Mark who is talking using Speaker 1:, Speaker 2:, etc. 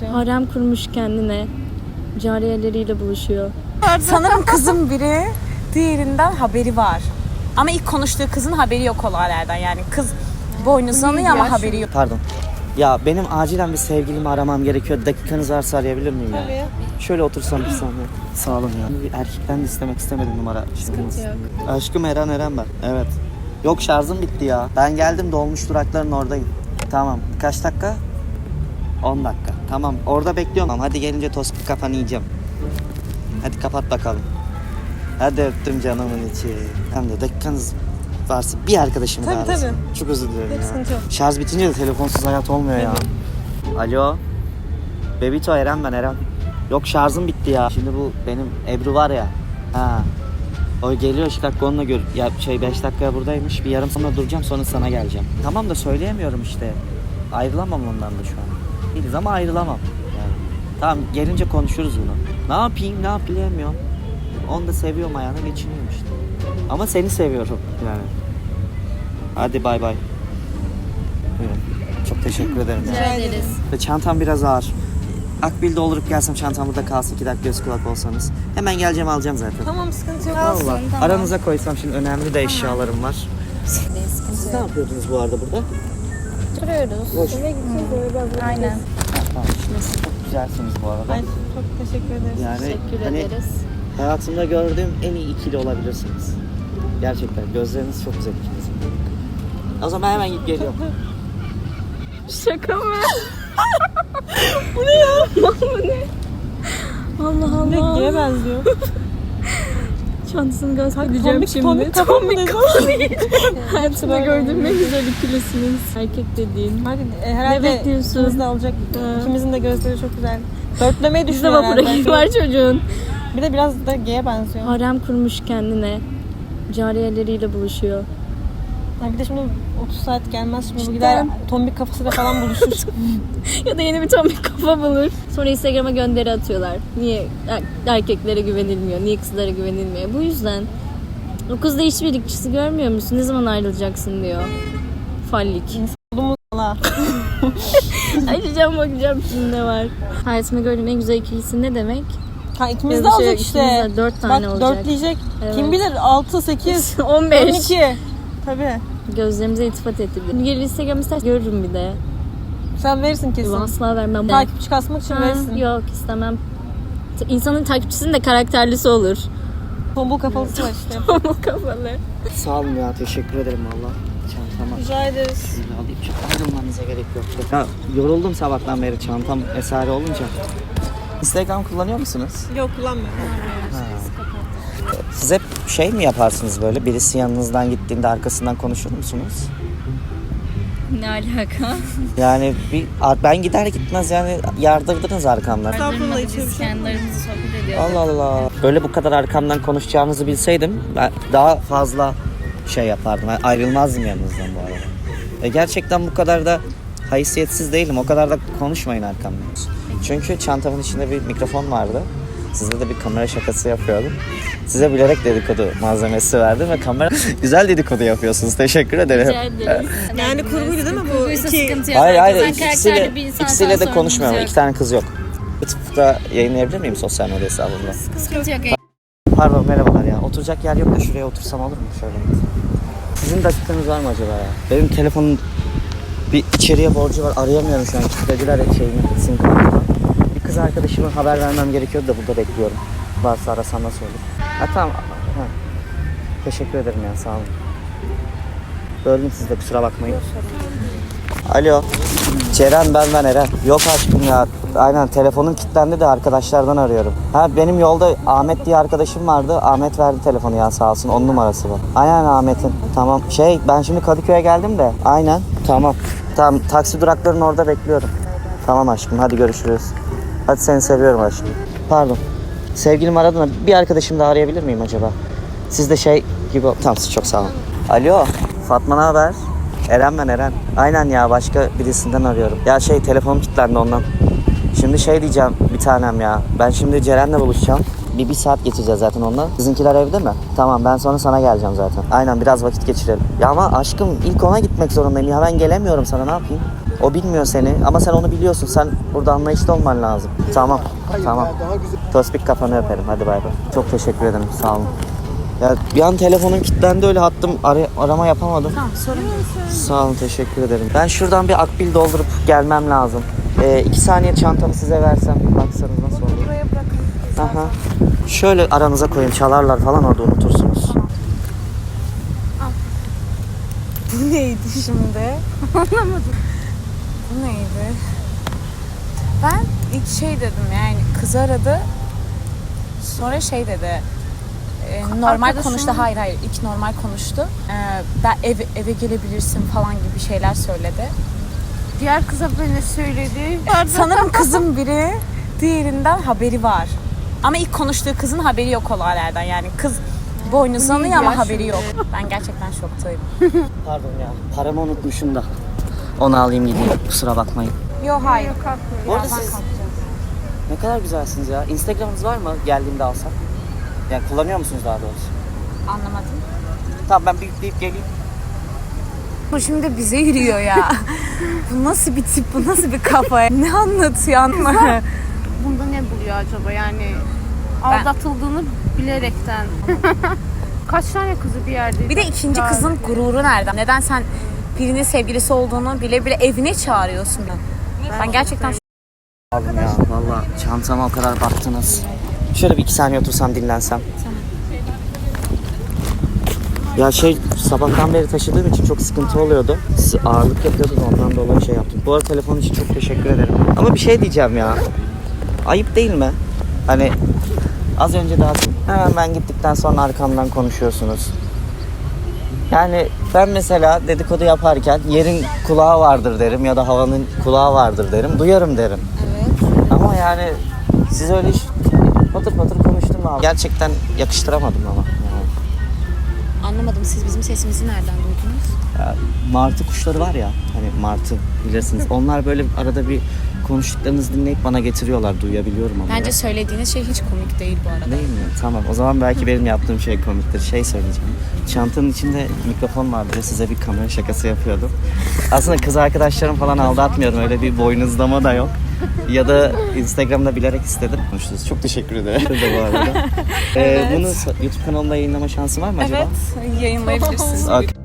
Speaker 1: benziyor.
Speaker 2: Harem kurmuş kendine. Cariyeleriyle buluşuyor.
Speaker 1: Sanırım kızın biri diğerinden haberi var. Ama ilk konuştuğu kızın haberi yok olaylardan. Yani kız boynuzlanıyor ama haberi yok.
Speaker 3: Pardon. Ya benim acilen bir sevgilimi aramam gerekiyor. Dakikanız varsa arayabilir miyim ya?
Speaker 1: Tabii.
Speaker 3: Şöyle otursam bir saniye. Sağ olun ya. Bir erkekten de istemek istemedim numara.
Speaker 2: Sıkıntı yok.
Speaker 3: Aşkım Eren ben. Evet. Yok şarjım bitti ya. Ben geldim dolmuş durakların oradayım. Tamam. Kaç dakika? 10 dakika. Tamam. Orada bekliyorum. Hadi gelince tost kafanı yiyeceğim. Hadi kapat bakalım. Hadi öptüm canımın içi. Hem de dakikanız varsa bir arkadaşımı
Speaker 1: Tabii,
Speaker 3: daha arasın.
Speaker 1: tabii.
Speaker 3: Çok özür dilerim ya.
Speaker 1: Sıkıntı yok.
Speaker 3: Şarj bitince de telefonsuz hayat olmuyor ya. Alo. Bebito Eren ben Eren. Yok şarjım bitti ya. Şimdi bu benim Ebru var ya. Ha. O geliyor 2 dakika onunla ya 5 dakikaya buradaymış. Bir yarım sonra duracağım sonra sana geleceğim. Tamam da söyleyemiyorum işte. Ayrılamam ondan da şu an. Değiliz ama ayrılamam. Yani. Tamam gelince konuşuruz bunu. Ne yapayım bilemiyorum. Onu da seviyorum ayağına geçiniyorum işte. Ama seni seviyorum yani. Hadi bay bay. Buyurun. Çok teşekkür ederim.
Speaker 2: Rica ederiz.
Speaker 3: Ve çantam biraz ağır. Akbil'de olup gelsem çantam burada kalsın 2 dakika göz kulak olsanız. Hemen geleceğim alacağım zaten.
Speaker 1: Tamam sıkıntı yok.
Speaker 3: Allah.
Speaker 2: tamam.
Speaker 3: Aranıza koysam şimdi önemli de eşyalarım var. Siz ne yapıyordunuz bu arada burada?
Speaker 2: Duruyoruz.
Speaker 3: Boş.
Speaker 2: Aynen.
Speaker 3: Tamam. Siz çok güzelsiniz bu arada.
Speaker 1: Ay, çok teşekkür ederiz.
Speaker 3: Yani
Speaker 2: Teşekkür
Speaker 3: hani
Speaker 2: ederiz.
Speaker 3: hayatımda gördüğüm en iyi ikili olabilirsiniz. Gerçekten gözleriniz çok güzel ikiniz. O zaman hemen gidip geliyorum.
Speaker 2: Şaka mı? Bu ne ya? Bu ne? Allah Allah.
Speaker 1: Neye benziyor?
Speaker 2: Çantasını göstereceğim şimdi.
Speaker 1: Tombik kafa değil.
Speaker 2: Hayatımda gördüğüm en güzel ikilisiniz. Erkek dediğin.
Speaker 1: Hadi
Speaker 2: Ne
Speaker 1: herhalde
Speaker 2: bekliyorsun?
Speaker 1: ikimiz de alacak. İkimizin de gözleri çok güzel. Dörtlemeyi
Speaker 2: Bizde
Speaker 1: düşünüyor
Speaker 2: vapura
Speaker 1: herhalde.
Speaker 2: var çocuğun.
Speaker 1: Bir de biraz da G'ye benziyor.
Speaker 2: Harem kurmuş kendine. Cariyeleriyle buluşuyor.
Speaker 1: Ha, bir de şimdi 30 saat gelmez. Şimdi bu
Speaker 2: Cidden.
Speaker 1: gider tombik kafasıyla falan buluşur.
Speaker 2: Ya da yeni bir tam bir kafa bulur. Sonra Instagram'a gönderi atıyorlar. Niye erkeklere güvenilmiyor? Niye kızlara güvenilmiyor? Bu yüzden. O kızda işbirlikçisi görmüyor musun? Ne zaman ayrılacaksın diyor. Fallik.
Speaker 1: Bulumuz valla.
Speaker 2: Açacağım bakacağım şimdi ne var. Hayatımda gördüğüm en güzel ikilisi ne demek?
Speaker 1: Ha, ikimiz
Speaker 2: Ya
Speaker 1: de
Speaker 2: da şey,
Speaker 1: alacak işte.
Speaker 2: ikimiz de 4 tane
Speaker 1: Bak
Speaker 2: olacak.
Speaker 1: dörtleyecek.
Speaker 2: Evet.
Speaker 1: Kim bilir 6, 8,
Speaker 2: 15.
Speaker 1: 12. Tabii.
Speaker 2: Gözlerimize iltifat ettirdi. Gelir Instagram istersen görürüm bir de.
Speaker 1: Sen verirsin kesin.
Speaker 2: Asla vermem.
Speaker 1: Takipçi kasmak için
Speaker 2: Ha,
Speaker 1: verirsin.
Speaker 2: yok istemem. İnsanın takipçisinin de karakterlisi olur.
Speaker 1: Tombul kafalısı var işte.
Speaker 2: Pamuk kafalı.
Speaker 3: Sağ olun ya teşekkür ederim valla. Çantama.
Speaker 1: Rica ederiz.
Speaker 3: Şöyle alayım çok ayrılmanıza gerek yok. Ya, yoruldum sabahtan beri çantam vesaire olunca. Instagram kullanıyor musunuz?
Speaker 1: Yok kullanmıyorum.
Speaker 3: Siz hep şey mi yaparsınız böyle? Birisi yanınızdan gittiğinde arkasından konuşur musunuz?
Speaker 2: Ne alaka?
Speaker 3: Yani ben gider gitmez yani yardırdınız arkamdan.
Speaker 1: Estağfurullah, hiçbir şey
Speaker 2: Biz
Speaker 1: yok.
Speaker 2: kendi aramızda sohbet ediyoruz.
Speaker 3: Allah Allah. Böyle bu kadar arkamdan konuşacağınızı bilseydim ben daha fazla şey yapardım. Ben ayrılmazdım yanınızdan bu arada. Gerçekten bu kadar da haysiyetsiz değilim. O kadar da konuşmayın arkamdan. Çünkü çantamın içinde bir mikrofon vardı. Size de bir kamera şakası yapıyordum. Size bilerek dedikodu malzemesi verdim ve kamera güzel dedikodu yapıyorsunuz. Teşekkür ederim.
Speaker 2: Rica ederiz.
Speaker 1: Yani kurguydu değil mi bu?
Speaker 2: Kurguysa
Speaker 1: İki...
Speaker 2: sıkıntı yok.
Speaker 3: Hayır
Speaker 2: Sen
Speaker 3: ikisiyle,
Speaker 2: karakterli bir insansan
Speaker 3: ikisiyle de
Speaker 2: sorunumuz
Speaker 3: konuşmuyorum.
Speaker 2: yok.
Speaker 3: 2 tane kız yok. YouTube'da yayınlayabilir miyim sosyal medya hesabımda?
Speaker 2: Sıkıntı yok.
Speaker 3: Pardon merhabalar ya. Oturacak yer yok da şuraya otursam olur mu şöyle? Sizin dakikanız var mı acaba ya? Benim telefonun bir içeriye borcu var. Arayamıyorum şu an. Kilitlediler sim kartımı. Bir kız arkadaşıma haber vermem gerekiyordu da burada bekliyorum. Varsa arasam nasıl olur? Ha tamam. Ha. Teşekkür ederim ya sağ olun. Böldüm sizi de kusura bakmayın. Alo. Ceren ben Eren. Yok aşkım ya. Aynen telefonum kilitlendi de arkadaşlardan arıyorum. Ha benim yolda Ahmet diye arkadaşım vardı. Ahmet verdi telefonu ya sağ olsun. 10 numarası bu. Aynen Ahmet'in. Tamam. Ben şimdi Kadıköy'e geldim de. Aynen. Tamam. Tamam taksi duraklarının orada bekliyorum. Tamam aşkım hadi görüşürüz. Hadi seni seviyorum aşkım. Pardon. Sevgilim aradı da bir arkadaşım da arayabilir miyim acaba? Siz de gibi... Tamam çok sağ olun. Alo. Fatma ne haber? Eren ben Eren. Aynen ya başka birisinden arıyorum. Ya telefonum kilitlendi ondan. Şimdi diyeceğim bir tanem ya. Ben şimdi Ceren'le buluşacağım. Bir saat geçeceğiz zaten onunla. Sizinkiler evde mi? Tamam ben sonra sana geleceğim zaten. Aynen biraz vakit geçirelim. Ya ama aşkım ilk ona gitmek zorundayım ya ben gelemiyorum sana ne yapayım? O bilmiyor seni ama sen onu biliyorsun. Sen burada anlayışlı olman lazım. Tamam. Tamam. Tospik kafanı öperim. Hadi bay bay. Çok teşekkür ederim. Sağ olun. Ya bir an telefonum kilitlendi öyle hattım arama yapamadım.
Speaker 1: Tamam, sorun yok.
Speaker 3: Sağ olun, teşekkür ederim. Ben şuradan bir akbil doldurup gelmem lazım. 2 saniye çantamı size versem baksanız nasıl olur?
Speaker 1: Buraya bırakın.
Speaker 3: Aha. Şöyle aranıza koyun, çalarlar falan orada unutursunuz.
Speaker 1: Bu neydi şimdi? Anlamadım. Bu neydi? Ben ilk şey dedim yani kız aradı. Sonra şey dedi. Normal
Speaker 2: Arkadaşım-
Speaker 1: konuştu. Hayır ilk normal konuştu. Ben eve gelebilirsin falan gibi şeyler söyledi.
Speaker 4: Diğer kıza ne söyledi?
Speaker 1: Sanırım kızın biri diğerinden haberi var. Ama ilk konuştuğu kızın haberi yok olaylardan. Yani kız boynuzlanıyor ama haberi yok. Ben gerçekten şoktayım.
Speaker 3: Pardon ya, paramı unutmuşum da. Onu alayım gideyim, kusura bakmayın.
Speaker 1: Yok hayır.
Speaker 3: Bu arada siz ne kadar güzelsiniz ya. Instagram'ınız var mı? Geldiğimde alsam. Yani kullanıyor musunuz daha doğrusu?
Speaker 1: Anlamadım.
Speaker 3: Tamam ben büyükleyip geleyim.
Speaker 1: Bu şimdi bize yürüyor ya. Bu nasıl bir tip, bu nasıl bir kafa? Ne anlatıyor anlamadım.
Speaker 4: Bunda ne buluyor acaba yani aldatıldığını bilerekten. Kaç tane kızı bir yerde?
Speaker 1: Bir de ikinci kızın gururu nereden? Neden sen birinin sevgilisi olduğunu bile bile evine çağırıyorsun? Ben gerçekten
Speaker 3: Aldım ya valla çantama o kadar baktınız. Şöyle bir 2 saniye otursam dinlensem. Ya sabahtan beri taşıdığım için çok sıkıntı oluyordu. Ağırlık yapıyordu da ondan dolayı şey yaptım. Bu arada telefon için çok teşekkür ederim. Ama bir şey diyeceğim ya. Ayıp değil mi? Hani az önce daha hemen ben gittikten sonra arkamdan konuşuyorsunuz. Yani ben mesela dedikodu yaparken yerin kulağı vardır derim ya da havanın kulağı vardır derim. Duyarım derim.
Speaker 1: evet.
Speaker 3: Ama yani siz öyle patır patır konuştum abi. Gerçekten yakıştıramadım ama. Yani.
Speaker 1: Anlamadım. Siz bizim sesimizi nereden duydunuz?
Speaker 3: Ya, martı kuşları var ya, hani martı bilirsiniz. Onlar böyle arada bir konuştuklarınızı dinleyip bana getiriyorlar. Duyabiliyorum ama.
Speaker 1: Bence söylediğiniz şey hiç komik değil bu arada.
Speaker 3: Değil mi? Tamam. O zaman belki benim yaptığım şey komiktir. Şey söyleyeceğim. Çantanın içinde mikrofon vardı ve size bir kamera şakası yapıyordum. Aslında kız arkadaşlarım falan aldatmıyorum. Öyle bir boynuzlama da yok. Ya da Instagram'da bilerek istedim. Konuştunuz. Çok teşekkür ederim. Bu arada. Bunu YouTube kanalımda yayınlama şansı var mı acaba?
Speaker 1: Evet, yayınlayabilirsiniz.
Speaker 3: Okay.